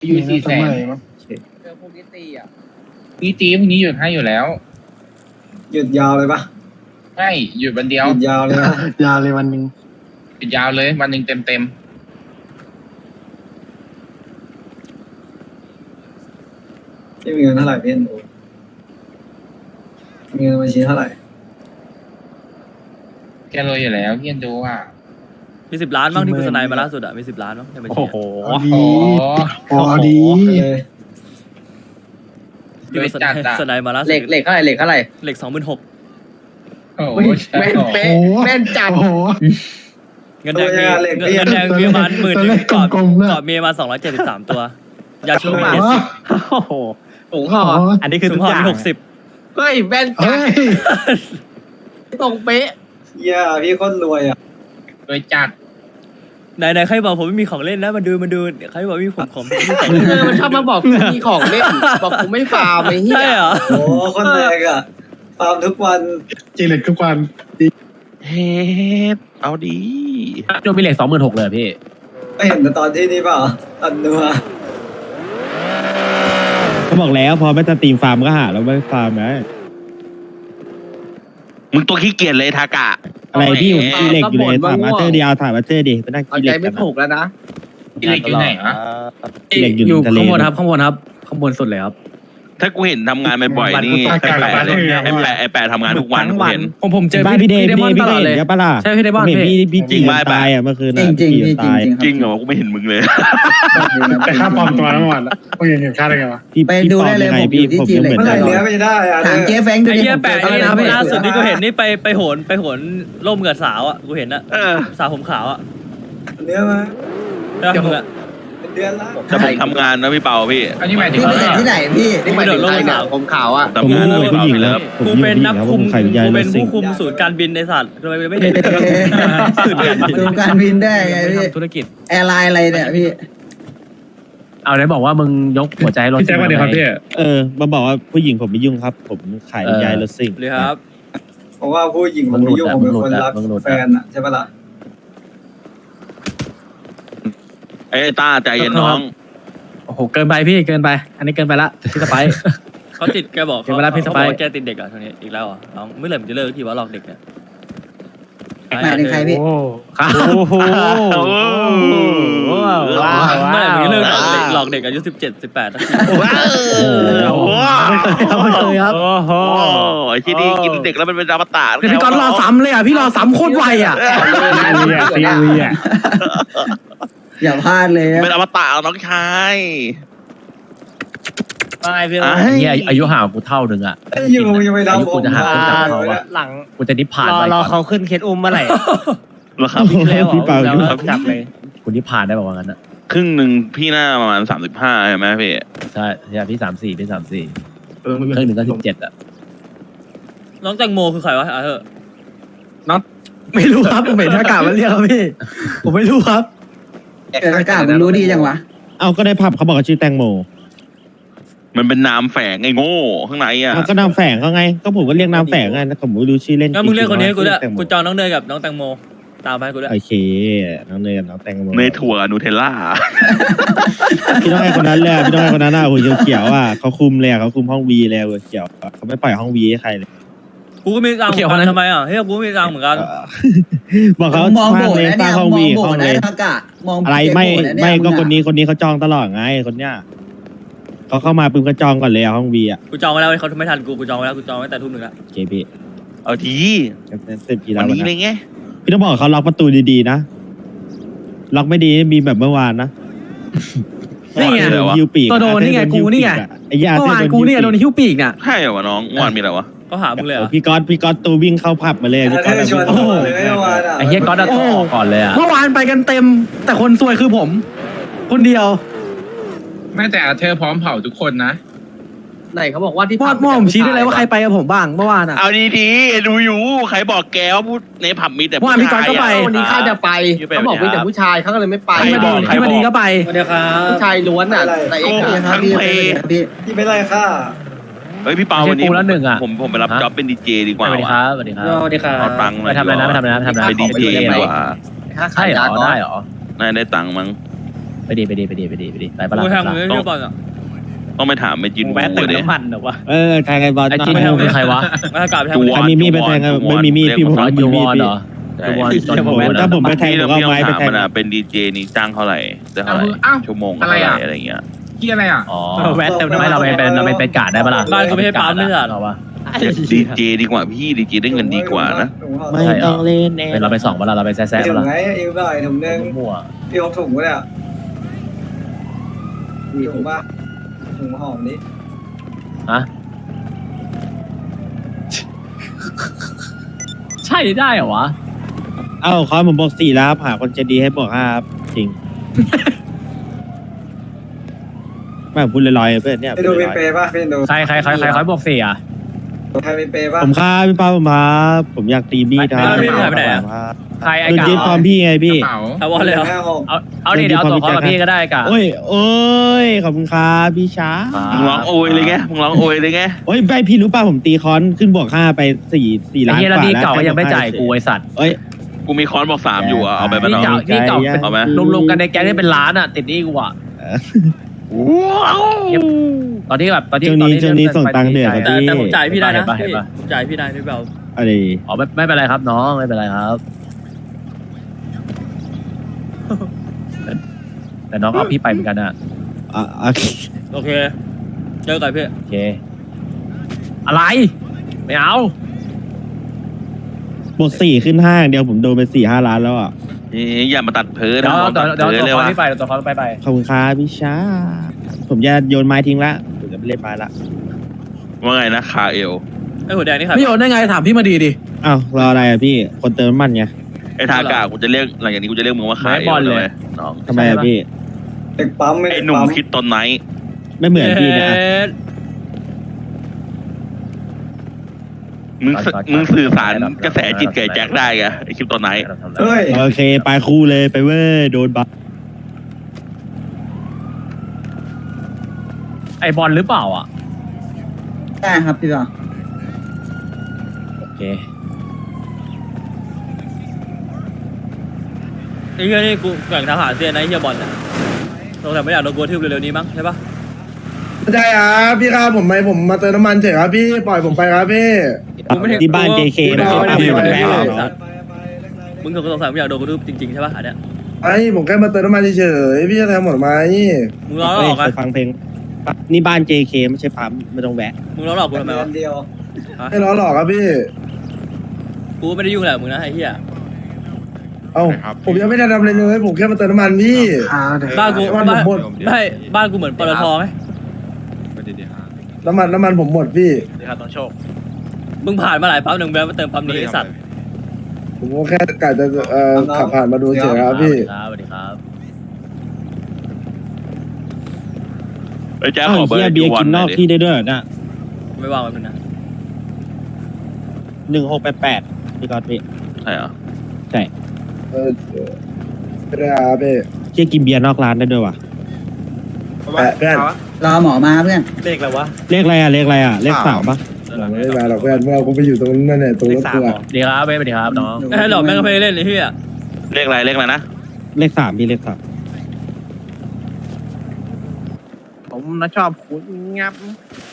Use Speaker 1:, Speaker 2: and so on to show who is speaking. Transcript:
Speaker 1: อยู่400,000
Speaker 2: เจอพวกนี้ตีอ่ะ
Speaker 1: พี่ตีพรุ่งนี้หยุดให้อยู่แล้ว
Speaker 3: หยุดยาวเลยปะ
Speaker 1: ใช่หยุดวันเดียว
Speaker 3: หยุดยาวเลยนะ
Speaker 4: ยาวเลยวันหนึ่ง
Speaker 1: หยุดยาวเลยวันหนึ่งเต็ม
Speaker 3: พี่มีเงินเท่าไหร่พี่ดูมีเงินบัญชีเท่าไหร่
Speaker 1: ๆแกรวยอยู่แล้วพี่ยันดูอ่ะ
Speaker 5: มี10 ล้านบ้างที่กูสไนด์มาล่าสุดอะมี10 ล้านบ้างในบัญชี
Speaker 6: โอ้โห
Speaker 4: เอาดี
Speaker 1: โอ้
Speaker 4: โอ้เอาดี
Speaker 3: ไปเลย
Speaker 1: รวยจัดอ่ะ
Speaker 5: สไนด์มาล่าสุด
Speaker 2: เหล็กเท่าไหร่เหล็กเท่าไหร่
Speaker 5: เหล็ก 26,000
Speaker 1: โอ้โห
Speaker 2: แม่นเป๊ะแม่นจัด
Speaker 4: โอ้โห
Speaker 5: เงินแดงมีเงินแดงมีประมาณ10,000นึงกอดกอดมีประมาณ273 ตัวยาชูมี
Speaker 6: โอ้โห
Speaker 2: ถุงห่อ
Speaker 6: อันนี้คือ
Speaker 5: ถุ
Speaker 6: ทุ
Speaker 5: ง
Speaker 6: ก
Speaker 5: ห่อ
Speaker 6: อย่าง
Speaker 5: มี60
Speaker 2: เฮ้ยแม่นจั
Speaker 4: เฮ้
Speaker 2: ด
Speaker 4: ย
Speaker 2: ตรงเป๊ะ
Speaker 3: เหี้ย่าพี่โคตรรวยอ่ะ
Speaker 1: รวยจัด
Speaker 5: ไหนใครบอกผมไม่มีของเล่นนะมาดูใครบอกมีผมของไม่ใส่
Speaker 2: มันชอบมาบอกกูมีของเล่นบอกกูไม่ฟาร์มไอ้เหี้ย
Speaker 5: ใช่เหรอ
Speaker 3: โอ้โคตรแรงอ่ะฟาร์มทุกวัน
Speaker 4: จีเล็กทุกวัน
Speaker 7: เฮ็ดเอาดี
Speaker 6: โดนมีเหล็ก26,000เลยพี่
Speaker 3: ไม่เห็นแต่ตอนที่นี่เปล่าอันนัว
Speaker 8: เขาบอกแล้วพอไม่สตรีมฟาร์มก็หาแล้วไม่ฟาร์มนะ
Speaker 7: มึงตัวขี้เกียจเลยทากะ
Speaker 8: อะไรพี่ผมจีเล็กอยู่เลยถามมาเจอร์เดียวถามมาเจอร์ดิไปนั่ง
Speaker 2: เอา
Speaker 8: จี
Speaker 2: ใจ
Speaker 8: เล็ก
Speaker 2: ไม่
Speaker 8: กัน
Speaker 2: ถูกแล้วนะ
Speaker 1: พี่เล็กอยู่ไหนวะ
Speaker 8: จีเล็กอยู่
Speaker 6: อยู่
Speaker 8: ทะเล
Speaker 6: ข้างบนครับข้างบนครับข้างบนสุดเลยครับ
Speaker 7: ถ้ากูเห็นทำงานบ่อยๆนี่ไอ้แปะทำงานทุกวันกูเห็น
Speaker 6: ผมเจอ
Speaker 8: บ้านพี่เดย์
Speaker 6: พี่
Speaker 8: พี่
Speaker 6: เด
Speaker 8: เด
Speaker 6: มอน
Speaker 8: ย์
Speaker 6: ตลอดเลย
Speaker 8: พี่เดย์ปะล่ะ
Speaker 6: ใช่พี่เดมอน
Speaker 8: ผมเห็น
Speaker 6: พี่
Speaker 8: พี่จริงตายอ่ะเมื่อคืน
Speaker 3: จริงจริงพี่จริง
Speaker 8: ตาย
Speaker 3: จริง
Speaker 7: จริงเหรอกูไม่เห็นมึงเลย
Speaker 4: แต่ค่าปลอมตัวทั้งวันมึงเห็นค่าได้ไงวะ
Speaker 8: พี่
Speaker 2: ไปดูได้เลย
Speaker 8: ปอมงง
Speaker 2: ผมอยู่ที่จีเล็ก
Speaker 8: ผม
Speaker 3: เมื่อไหร่
Speaker 8: ยังเหมื
Speaker 3: เนื้อ
Speaker 8: อน
Speaker 3: ไม่ได้อ่ะ
Speaker 2: ถามเจ๊แฟงดู
Speaker 5: ไอ้
Speaker 2: ดิ
Speaker 5: เหี้ยแปะ
Speaker 2: ผม
Speaker 5: นี่
Speaker 2: เจอ
Speaker 5: นะ
Speaker 2: อะไรนะ
Speaker 5: ล่าสุดที่กูเห็นนี่ไปโหนร่มกับสาวอ่ะกูเห็นอะ
Speaker 7: เออ
Speaker 5: สาวผมขาวอ่ะ
Speaker 3: เนื้อมา
Speaker 5: แล้วมึงอะ
Speaker 3: เป็นเดือนละ
Speaker 7: แต่ผมทำงานนะพี่เปาพี่
Speaker 1: อันนี้หมายถึง
Speaker 2: พี่
Speaker 1: ว่า
Speaker 2: ไปเห็นที่ไหนพี่นี่หมายถึงใครเนี่ยผมขาวอ่ะ
Speaker 7: ทำงานนะ
Speaker 8: ผม
Speaker 7: พี่
Speaker 8: ผู้
Speaker 7: เปา
Speaker 8: หญิง
Speaker 7: ไป
Speaker 8: แล้
Speaker 7: แล้ว ว
Speaker 5: กูเป็นนักคุม
Speaker 8: ไข่ยาย
Speaker 5: กู
Speaker 8: แล้
Speaker 5: เป็น
Speaker 8: วสิ
Speaker 5: ผู้คุมศูนย์การบินในสัตว์ทำไมไม่เห็น
Speaker 2: ดูการบินได้ไงพี่
Speaker 6: ธุรกิจ
Speaker 2: แอร์ไลน์อะไรเนี่ยพี่
Speaker 6: เอาไหนบอกว่ามึงยกหัวใจรถ
Speaker 4: พี่แจ็คมาเดี๋ยวครับพี่
Speaker 8: มาบอกว่าผู้หญิงผมไม่ยุ่งครับ ผมขายยายรถซิ่ง
Speaker 5: เลยครับ
Speaker 3: ผมว่าผู้หญิงผมไม่ยุ่งผมเป็นคนรักแฟนอ่ะใช่ปะล่ะ
Speaker 7: ไอ้ต้าใจเย็นน้อง
Speaker 6: โอ้โหเกินไปพี่เกินไป อันนี้เกินไปละพี่สไปซ์
Speaker 5: เขาติดแกบอก
Speaker 6: เดี๋ยวเวลาพี่ส
Speaker 5: เขา
Speaker 6: ไป
Speaker 5: บ
Speaker 6: ร์
Speaker 5: อกว่าแกติดเด็กอ่ะทีนี้อีกแล้วอ่ะน้องเมื่อไหร่มันจะเลิกทีว่าหลอกเด็กเนี่ย
Speaker 2: หมายถึงใครพี่
Speaker 6: โอ้ครับ
Speaker 7: โอ้โห
Speaker 6: ว้าว
Speaker 5: เมื่อไหร่มันจะเลิกหลอกเด็กอายุ17-18
Speaker 7: ว้าวโอ้โห
Speaker 6: ไม่เคยครับ
Speaker 7: โอ้โหไอ้ที่นี่กินเด็กแล้วมันเป็นอมตะ
Speaker 6: พี่กอนรอซ้ำเลยอ่ะพี่รอซ้ำโคตรไวอ่ะ
Speaker 4: ซีรีอ่ะ
Speaker 2: อย่าพลาดเลย
Speaker 7: เป็นอมตะน้องชาย
Speaker 6: ไม่พี่
Speaker 7: ไอ้
Speaker 6: เนี่ยอายุห่างกูเท่านึงอ่ะ
Speaker 3: อยู่ยังไม่รับ
Speaker 6: อายุ
Speaker 3: ผ
Speaker 6: กู
Speaker 3: ม
Speaker 6: จะห่างกันจากเขา
Speaker 3: เล
Speaker 6: อะ
Speaker 3: ย
Speaker 9: หลัง
Speaker 6: กูจะนิพพานไป
Speaker 9: รอ
Speaker 6: ก่อน
Speaker 9: เขาขึ้นเคสอุ้มเมื่อไหร่
Speaker 7: เหรอครับ
Speaker 8: พี่เปายุ่ง
Speaker 9: จับเลย
Speaker 6: กูนิพพานได้บอกว่างั้นอ่ะ
Speaker 7: ครึ่งหนึ่งพี่หน้าประมาณ35ใช่ไหมพี่
Speaker 6: ใช่ใช่พี่34พี่34ครึ่งหนึ่งก็17อ่ะ
Speaker 5: น้องแตงโมคือใครวะอ่ะเถอะ
Speaker 6: ไม่รู้ครับผมเห็นอากาศมันเรียกครับพี่ ผมไม่รู้ครับ
Speaker 2: แต่อากาศมันรู้ดีจังวะ
Speaker 8: เอาก็ได้ผับเขาบอกว่าชื่อแตงโม
Speaker 7: มันเป็นนามแฝงไอ้โง่ข้างในอ่ะ
Speaker 8: ก็นามแฝงเขาไงก็ผมก็เรียกนามแฝงไงแต่ผมไม่รู้ชื่อเล่น
Speaker 5: งั้นมึงเรียกคนนี้ให้กูด้วย
Speaker 8: แตงโม
Speaker 5: กูจองน้องเนยกับน้องแตงโมตามไปให้กูด้วย
Speaker 8: โอเคน้องเนยกับน้องแตงโม
Speaker 7: เนยถั่วนูเทลล่า
Speaker 8: พี่ต้องให้คนนั้นเลยพี่ต้องให้คนนั้นหัวเขียวๆอ่ะเขาคุมเลยเขาคุมห้องวีเลยหัวเขียวเขาไม่ปล่อยห้องวีให้ใครเลย
Speaker 5: กูก็มีตังค์เหมือนกันทำไมอ่ะเฮ้ยกูก็มีตังค์เหมือนกัน
Speaker 8: บอกเขา
Speaker 2: มอง
Speaker 8: สร้า
Speaker 2: โบ
Speaker 8: ง
Speaker 2: ส
Speaker 8: เลย
Speaker 2: นะ
Speaker 8: สร้า
Speaker 2: เนี่ย
Speaker 8: งห้อง
Speaker 2: มอ
Speaker 8: วี
Speaker 2: งโบ
Speaker 8: ห้อง
Speaker 2: ส
Speaker 8: เล
Speaker 2: นะ
Speaker 8: ย
Speaker 2: อากาศมอง
Speaker 8: อะไรไม่ก็คนนี้เขาจองตลอดไงคนเนี้ยเขาเข้ามาปุ๊บก็จองก่อนเลยห้องวีอ่ะ
Speaker 5: กูจองไว้แล้วเขาไม่ทันกูจองไว้แล้วกูจองไว้แต่ทุ่มหนึ่งแล้ว
Speaker 8: โอเคพี่
Speaker 7: เอาที
Speaker 8: เสร็จกี่
Speaker 7: วั
Speaker 8: แล้ว
Speaker 7: นนี้
Speaker 8: นะ
Speaker 7: เลยไง
Speaker 8: พี่ต้องบอกเขาล็อกประตูดีๆนะล็อกไม่ดีมีแบบเมื่อวานนะ
Speaker 6: นี่ไง
Speaker 7: เดี๋ยววะ
Speaker 8: ฮิวปีก
Speaker 6: ตัวโดนนี่ไงกูนี่ไง
Speaker 8: ไอ้ยา
Speaker 6: เมื่อวานกูเนี่ยโดนหิ้วปีกเนี่ย
Speaker 8: Dạ.
Speaker 7: ใช่เหรอวะน้องเมื่อวานมีอะไรวะ
Speaker 5: ก็หามึงเลยอ่ะ
Speaker 8: พี่ก๊อตตูวิ่งเข้าผับมาเลยพี่
Speaker 3: อา
Speaker 8: ก๊อต
Speaker 3: เธอชวน
Speaker 8: โอ้โห
Speaker 3: เลยเมื่อวานอ่ะ
Speaker 6: ไอ้เฮียก็ออกก่อนเลยอ่ะ เมื่อวานไปกันเต็ม แต่คนซวยคือผม คนเดียว
Speaker 1: แม่แต่เธอพร้อมเผาทุกคนนะ
Speaker 2: ไหนเขาบอกว่าที่
Speaker 6: มอดม่อผมชี้ได้เลยว่าใครไปกับผมบ้างเมื่อวานอ่ะ
Speaker 7: เอาดีๆดูอยู่ใครบอกแกว่าพูดในผับมีแต่
Speaker 6: เมื่อวานพี่ก๊อตก็ไป
Speaker 2: วันนี้ข้าจะไปเขาบอกมีแต่ผู้ชายเขาก็เลยไม่ไป
Speaker 6: พี่มาดีก็ไป
Speaker 9: เดี๋ยวครับ
Speaker 2: ผู้ชายล้วนอ่ะแต่เอ็กซ์เนี่ยครับพี่พี่
Speaker 3: ที่ไม่ไล่ค่า
Speaker 7: เฮ้ยพี่เปา
Speaker 6: ไม่ใช่
Speaker 7: วันนี้
Speaker 6: กูแล้วหนึ่งอะ
Speaker 7: ผมไปรับ
Speaker 6: ฮะ
Speaker 7: จ็อบเป็นดีเจดีก
Speaker 6: ส
Speaker 7: ว่า
Speaker 6: วัสดีครับสวัสดีครับ
Speaker 9: สวัสดีครับ
Speaker 7: เอาตังค์หน่อย
Speaker 6: ไปทำอะไรนะไปทำอะไรนะไปทำอะไรนะ
Speaker 7: เป็นดีเจดีกว่า
Speaker 2: ค่า
Speaker 6: ใช่
Speaker 2: ขาย
Speaker 6: เหร
Speaker 2: ยา
Speaker 6: อ
Speaker 2: ก่อน
Speaker 6: ได้เหรอ
Speaker 7: น่าได้ตังค์มั้ง
Speaker 6: ไปไปดีไปปะ
Speaker 5: กู
Speaker 6: ล่ะ
Speaker 5: แทงมึงไม่บอลอ่ะ
Speaker 7: ต้องไปถามไปจิน
Speaker 6: แวะเติม
Speaker 7: เลย
Speaker 6: น้ำมันเหรอวะ
Speaker 8: ใครบอล
Speaker 6: ไอ้จีนเป็นใครวะ
Speaker 5: ไม่ให้กลับไปแทง
Speaker 7: จู
Speaker 5: มึง
Speaker 7: วอ
Speaker 8: ใคร
Speaker 7: น
Speaker 8: มีมีดไปแทงกันไม่มีมีดพี่ผม
Speaker 6: อ๋อ
Speaker 8: มี
Speaker 6: ยูว
Speaker 8: มี
Speaker 6: อ
Speaker 8: ด
Speaker 6: นเหรอ ยูวอนจน
Speaker 8: ผมถ้าผมไปแทงผมก็เอาไม้ไปแทง
Speaker 7: มันเป็นดีเจนี่จ้างเท่าไหร่ได้เท่าไหร่ชั่วโมงเท่าไหร่อะไรเงี้ย
Speaker 1: ที่อะไรอ่ะ
Speaker 6: อ๋อแวะเติมน้ำมันเราเป็นการได้ปะล่ะ
Speaker 5: บ้านกูไม่ให้ปั๊มไม่ใช่
Speaker 6: เหรอวะ
Speaker 7: ดีเจดีกว่าพี่ดีเจได้เงินดีกว่านะ
Speaker 8: ไม่ต้องเล่นเอง
Speaker 6: เราไปส่องปะล่ะเราไปแซ่
Speaker 3: ถุ
Speaker 6: ปะ
Speaker 3: ง
Speaker 6: ล่ะ
Speaker 3: ไงเอวได้ถุงนึง
Speaker 6: มั่ว
Speaker 3: พี่เอาถุงไว้เนี่ยถุงป่ะถุงหอมนี้
Speaker 6: ฮะใช่ได้เหรอวะ
Speaker 8: เอ้าเขาผมบอก4แล้วครับหาคนใจดีให้บอก5ครับจริงไม่ผมพูดลอยๆเพื่อนเนี่ย
Speaker 3: ไปดูเป็นเปย์ป่ะพี่ดู
Speaker 6: ใครบอก4อ่ะ
Speaker 3: ใครเป็นเปย์ป่ะ
Speaker 8: ผมครับพี่ป้าผมครับผมอยากตีมีดครับ
Speaker 6: ใครไอ้
Speaker 8: โดน
Speaker 6: กา
Speaker 8: ยึดความพี่ไง
Speaker 1: ก
Speaker 8: พี่
Speaker 1: ระเป๋า
Speaker 5: เอาวอลเลยเหรอ
Speaker 6: เอาดิเดี๋ยวเอาตัวเขากับพี่ก็ได้กา
Speaker 8: โอ้ยขอบคุณครับพี่ช้า
Speaker 7: มึงร้องโอยเลยไงมึงร้องโอยเลยไง
Speaker 8: โอ้ยไปพี่รู้ป่ะผมตีคอนขึ้นบวก5ไป4
Speaker 6: ไอ้
Speaker 8: ล้าน
Speaker 6: เฮีย
Speaker 8: ก
Speaker 6: แล้ว
Speaker 8: ว่า
Speaker 6: นี่
Speaker 8: แล้ว
Speaker 6: เก่าก็ยังไม่จ่ายกูไอสัตว์
Speaker 8: เอ้ย
Speaker 7: กูมีคอนบอก3อยู่เอาไปบ้าน
Speaker 6: นี่
Speaker 7: เรา
Speaker 6: เก่าเป็น
Speaker 7: เอาไหม
Speaker 6: รวมๆกันในแก๊งนี่เป็นล้านอ่ะติดหนี้กูอ่ะตอนที่แบบตอนที่
Speaker 8: ช่วงนี้ส่งตังค์เดือด
Speaker 5: แต่ผมจ่ายพี่ได้นะ
Speaker 6: เห็นปะ
Speaker 5: ผมจ่ายพี่ได้ไม่เบา
Speaker 8: อะไร
Speaker 6: อ๋อไม่เป็นไรครับน้องไม่เป็นไรครับ แต่น้องเอาพี่ไปเหมือนกันอ่ะ
Speaker 8: โอเค
Speaker 5: โอเคเจอกันพี่
Speaker 6: โอเค อะไรไม่เอา
Speaker 8: บวก4ขึ้น5อย่างเดียวผมโดนไป4-5 ล้านแล้วอ่ะ
Speaker 7: อย่ามาตัดเพ้อ
Speaker 6: เดี๋ยว
Speaker 7: นะ
Speaker 6: เดี๋ยว
Speaker 7: เพ้อ
Speaker 6: ตัว
Speaker 7: เลย
Speaker 6: เขา
Speaker 7: ว่ะ
Speaker 6: ที่ไปตัวเขาไป
Speaker 8: ขอบคุณครับพี่ช้าผมจะโยนไม้ทิ้งละผมจะไม่เล่นไม้ละ
Speaker 7: ว่าไงนะคาเอล
Speaker 5: ไอ้หัวแดงนี่ครับ
Speaker 6: พี่โอนได้ไงถามพี่มาดีดิ
Speaker 8: อ้าวรออะไรอ่ะพี่คนเติมน้ำมันไง
Speaker 7: ไอ้ทากากูจะเรียกหลังจากนี้กูจะเรียกมึงว่าคาเอลเลยน้อง
Speaker 8: ทำไมอ่ะพี่
Speaker 3: เด็กปั๊มไม่
Speaker 7: ไอ้
Speaker 3: เด็ก
Speaker 7: หนุ่ม
Speaker 3: ปั๊ม
Speaker 7: คิดตอนไหน
Speaker 8: ไม่เหมือนพี่นะ
Speaker 7: มึงสื่อสารกระแสจิตแก่แจ็คได้ไงไอ้คลิปตอนไหน
Speaker 3: เฮ้ย
Speaker 8: โอเคไปคู่เลยไปเว้ยโดนบัฟ
Speaker 6: ไอบอลหรือเปล่าอ่ะ
Speaker 2: ได้ครับพี่บ่าว
Speaker 6: โอเค
Speaker 5: ไอ้เหี้ยนี่กูแข่งทหารเซียนนะไอ้เหี้ยบอลเนี่ยเราแต่ไม่อยากโดนกูทืบเร็วๆนี้มั้งใช่ปะ
Speaker 9: ใช่ครับพี่ครับผมมาเติมน้ำมันเฉยครับพี่ปล่อยผมไปครับพี่
Speaker 5: กูไม่เห็น
Speaker 8: ที่บ้าน JK นะค
Speaker 9: ไม่
Speaker 8: รับ
Speaker 9: ได้
Speaker 8: ผม
Speaker 9: ไม่ได้
Speaker 8: แพ้เหรอ
Speaker 5: มึงสงสัยไม่อยากโดนกูทืบจริงๆใช่ปะอันเนี้ย
Speaker 9: ไอ้ผมแค่มาเติมน้ำมันเฉยๆพี่จะแทงหมดไหม
Speaker 5: มึงล้อหลอก
Speaker 8: เค
Speaker 5: อะ
Speaker 8: ยฟังเพลงนี่บ้าน JK ไม่ใช่ปั๊มไม่ต้องแวะ
Speaker 5: มึงล้อหลอกกูทำไมวะ
Speaker 3: เดียว
Speaker 9: ไม่ล้อหลอกครับพี่
Speaker 5: กูไม่ได้ยุ่งแหละมึงนะไอ้เหี้ย
Speaker 9: เอ้าผมยังไม่ได้ทำอะไรเลยผมแค่มาเติมน้ำมันพี่
Speaker 5: บ้านกู
Speaker 9: น้ำมันผมหมด
Speaker 5: ไม่บ้านกูเหมือนปตทไหม
Speaker 9: น้ำมันผมหมดพี่
Speaker 5: มึงผ่านมาหลายปั๊มหนึ่งแล้วมาเติมปั๊มนี้ไอ้สัตว์
Speaker 9: ผมก็แค่กะจะขับผ่านมาดูเฉยครับพี่
Speaker 6: สวัสดีครับ
Speaker 7: ไอ้แจ็ค
Speaker 8: อ้าว
Speaker 7: ขอเบอ
Speaker 8: เฮีย
Speaker 7: ร์
Speaker 8: เบียร์กินนอกที่ได้ด้วยเหรอน่ะ
Speaker 5: ไม่ว่างมันนะ
Speaker 8: 1688พี่กอดพี่
Speaker 7: ใช่เหรอ
Speaker 9: ไม่ได้ครับพี่
Speaker 8: เฮียกินเบียร์นอกร้านได้ด้วยว่ะ
Speaker 9: แปะเพื่อน
Speaker 2: รอหมอมาเพื่อน
Speaker 8: เลขอะไรอ่ะเลข3ปะ
Speaker 9: ไม่ได้มาหรอกเพื่อนเมื่อกูไปอยู่ตรงนั้นเนี่ยตรงรถกูอะ
Speaker 6: สวัสดีครับเว้ยสวัสดีครับน้อง
Speaker 5: ไอ้หลอกแม่งก็ไม่ได้เล่นไอ้เหี้ย
Speaker 7: เลขอะไรนะ
Speaker 8: เลข3พี่เลข3
Speaker 6: ผมนะชอบคุณงับ